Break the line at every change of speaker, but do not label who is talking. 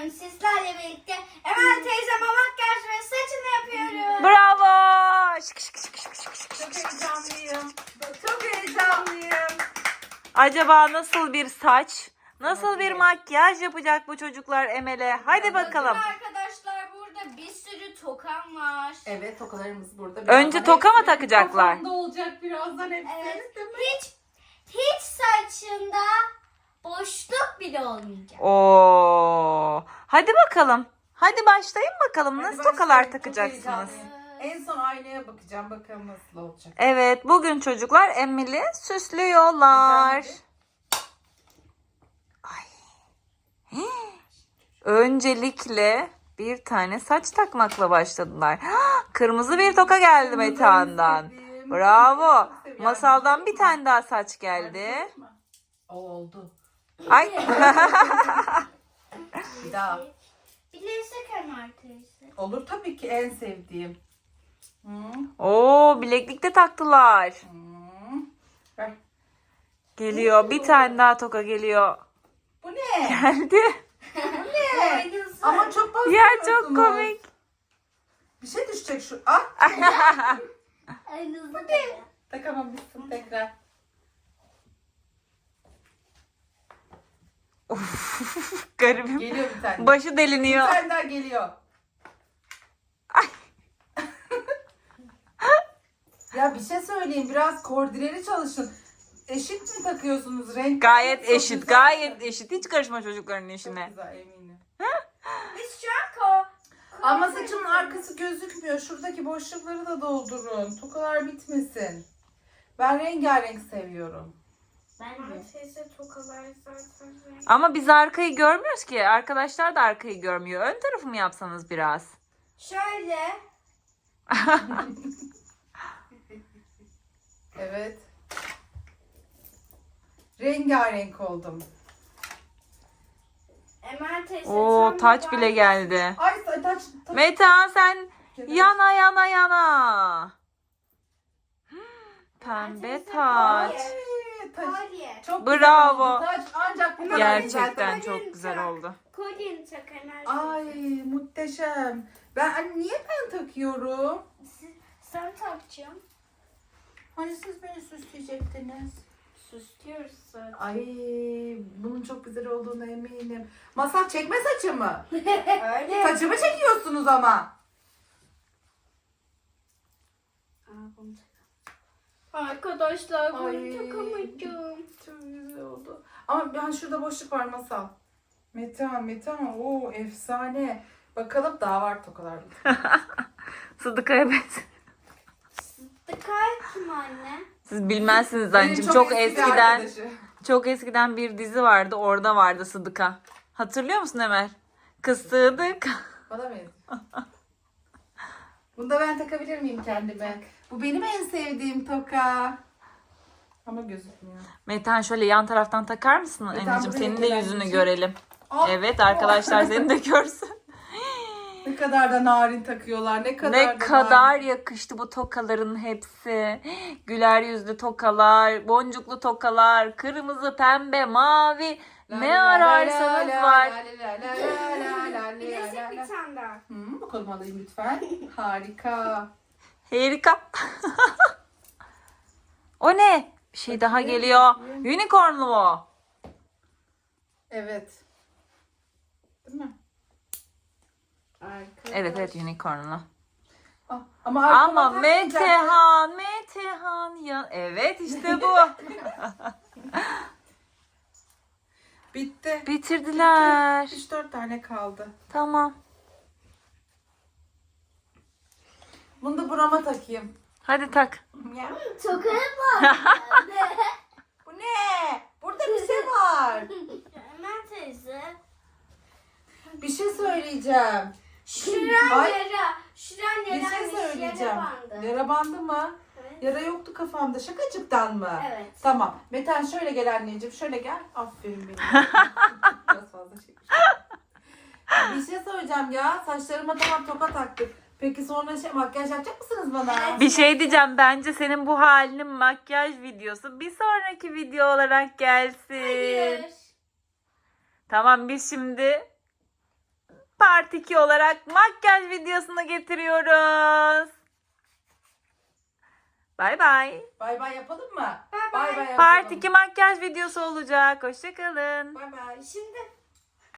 bugün sizlerle birlikte Emel teyzeme makyaj ve saçını yapıyorum.
Bravo. Şık şık şık şık şık şık.
Çok heyecanlıyım. Çok heyecanlıyım.
Acaba nasıl bir saç, nasıl bir makyaj yapacak bu çocuklar Emel'e? Hadi bakalım.
Bugün arkadaşlar burada bir sürü tokam var.
Evet, tokalarımız burada.
Önce toka mı takacaklar?
Kafamda olacak birazdan hepsi.
Evet. Hiç saçında boşluk bile olmayacak.
Oo. Hadi bakalım. Hadi başlayın bakalım. Nasıl tokalar takacaksınız?
En son aynaya bakacağım. Bakalım nasıl olacak.
Evet, bugün çocuklar Emel'i süslüyorlar. Ay. Öncelikle bir tane saç takmakla başladılar. Kırmızı bir toka geldi Metehan'dan. Bravo. Masaldan bir tane daha saç geldi.
Oldu.
Ay.
Bir daha.
Bilezik Emel teyze.
Olur tabii ki, en sevdiğim.
Oo, bileklik de taktılar.
Ver.
Geliyor. Bir tane daha toka geliyor.
Bu ne?
Geldi.
Aynısı.
Ama çok fazla
Ya çok
yapıyorsunuz.
komik.
Bir şey düşecek şu. Ah.
Aynısı.
Takamamışsın tekrar.
Garibim.
Geliyor bir tane.
Başı
Bir
deliniyor.
tane daha geliyor.
Ay.
Ya bir şey söyleyeyim. Biraz koordineli çalışın. Eşit mi takıyorsunuz renk?
Gayet
Çok
eşit,
güzel.
gayet eşit. Hiç karışma çocukların
Çok
işine.
güzel, eminim.
Biz şu an
Ama saçımın arkası gözükmüyor. Şuradaki boşlukları da doldurun. Tokalar bitmesin. Ben rengarenk seviyorum.
Ben de. Teyze tokalar zaten.
Ama biz arkayı görmüyoruz ki. Arkadaşlar da arkayı görmüyor. Ön tarafı mı yapsanız biraz?
Şöyle.
Evet. Rengarenk oldum.
Emel teyze.
Oo,
tam
taç
bir
bile geldi.
Ay taç.
Metehan sen yana yana yana. Pembe taç.
Kolye.
Çok
Bravo.
güzel oldu. Taç ancak bu kadar
Gerçekten
güzel.
çok güzel oldu.
Kolyeni tak Emel.
Ay muhteşem. Niye ben takıyorum?
Sen takacaksın.
Hani siz beni süsleyecektiniz.
Süslüyoruz zaten.
Ay bunun çok güzel olduğuna eminim. Masal çekme saçımı.
Öyle.
Saçımı çekiyorsunuz ama.
Arkadaşlar bunu
Ay.
takamayacağım.
Çok güzel oldu. Ama ben şurada boşluk var Masal. Metehan. Oo efsane. Bakalım daha var tokalar.
Sıdıkaya benziyor.
Dıkay kim anne?
Siz bilmezsiniz
Benim
anneciğim. Çok
eski bir
eskiden
arkadaşı.
çok eskiden bir dizi vardı. Orada vardı Sıdıka. Hatırlıyor musun Emel? Kız Sıdık.
Bana benziyor. Bunu da ben takabilir miyim kendime? Bu benim en sevdiğim toka. Ama gözükmüyor.
Metehan şöyle yan taraftan takar mısın
Metehan
anneciğim?
buraya
Senin de
gel
yüzünü
anneciğim.
görelim.
Hop.
Evet arkadaşlar seni de görsün.
Ne kadar da narin takıyorlar. Ne kadar
Ne
da
kadar
narin.
yakıştı bu tokaların hepsi. Güler yüzlü tokalar, boncuklu tokalar, kırmızı, pembe, mavi. Ne ararsanız var.
Bilezik bir tane daha.
Bakalım alayım lütfen. Harika.
Harika. O ne? Bir şey daha geliyor. Unicornlu mu?
Evet. Değil mi?
Evet unicornlu.
Ama
Ama Metehan ya. Evet işte bu.
Bitti.
Bitirdiler.
3-4 tane kaldı.
Tamam.
Bunu da burama takayım.
Hadi tak.
Ya.
Tokaya bak.
Bu ne? Burada bir şey var.
Emel teyze.
Bir şey söyleyeceğim.
Şuran
Ay.
yara. Şuran
Bir şey
yaraymış,
söyleyeceğim.
yara bandı.
Yara bandı mı?
Evet.
Yara yoktu kafamda. Şakacıktan mı?
Evet.
Tamam. Metehan şöyle gel anneciğim. Şöyle gel. Aferin benim. Biraz fazla çekmiş. Bir şey söyleyeceğim ya. Saçlarıma tamam toka taktık. Peki sonra makyaj yapacak mısınız bana?
Evet.
Bir şey diyeceğim. Bence senin bu halinin makyaj videosu bir sonraki video olarak gelsin.
Hayır.
Tamam biz şimdi Part 2 olarak makyaj videosunu getiriyoruz. Bay bay.
Bay bay yapalım mı?
Bay bay.
Bay bay
Part
yapalım.
2 makyaj videosu olacak. Hoşçakalın.
Bay bay.
Şimdi